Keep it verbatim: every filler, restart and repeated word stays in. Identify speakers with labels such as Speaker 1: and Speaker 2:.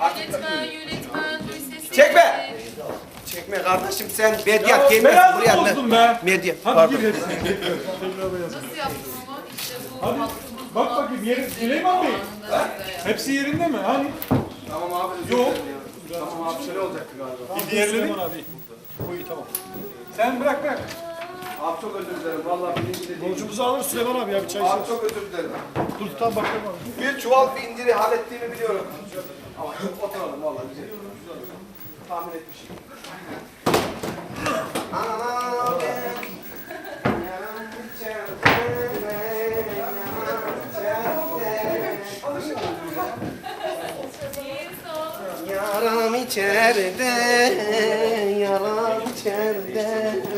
Speaker 1: Yönetmen, yönetmen, duy sesini.
Speaker 2: Çekme! Çekme kardeşim sen medyat
Speaker 3: Ya
Speaker 2: gelmez
Speaker 3: beyazı
Speaker 2: buraya.
Speaker 3: bozdun be.
Speaker 2: Medyat.
Speaker 3: Hadi
Speaker 2: Pardon.
Speaker 3: gir hepsini. Tekrar beyaz.
Speaker 1: Nasıl yaptım ama? İşte bu
Speaker 3: Hadi,
Speaker 1: hattımızın
Speaker 3: bak bakayım, yeri-
Speaker 1: altı
Speaker 3: Süleyman Bey.
Speaker 1: zamanında bize yani.
Speaker 3: Hepsi yerinde mi? Hani?
Speaker 2: Tamam abi. özür
Speaker 3: Yok.
Speaker 2: dilerim ya. Tamam abi şöyle olacaktı galiba.
Speaker 3: Bir diğerleri. abi. Koy tamam. Sen bırak bırak.
Speaker 2: Abi çok özür dilerim. Vallahi bilinçli değil.
Speaker 4: Borcumuzu alır Süleyman abi ya bir çay
Speaker 2: Abi
Speaker 4: içeriz.
Speaker 2: çok özür dilerim.
Speaker 4: Dur tam bakalım abi.
Speaker 2: Bir çuval bindiri hallettiğimi biliyorum. Ama oturalım vallahi güzel. Tahmin etmişim. Yaram içeride, yaram içeride.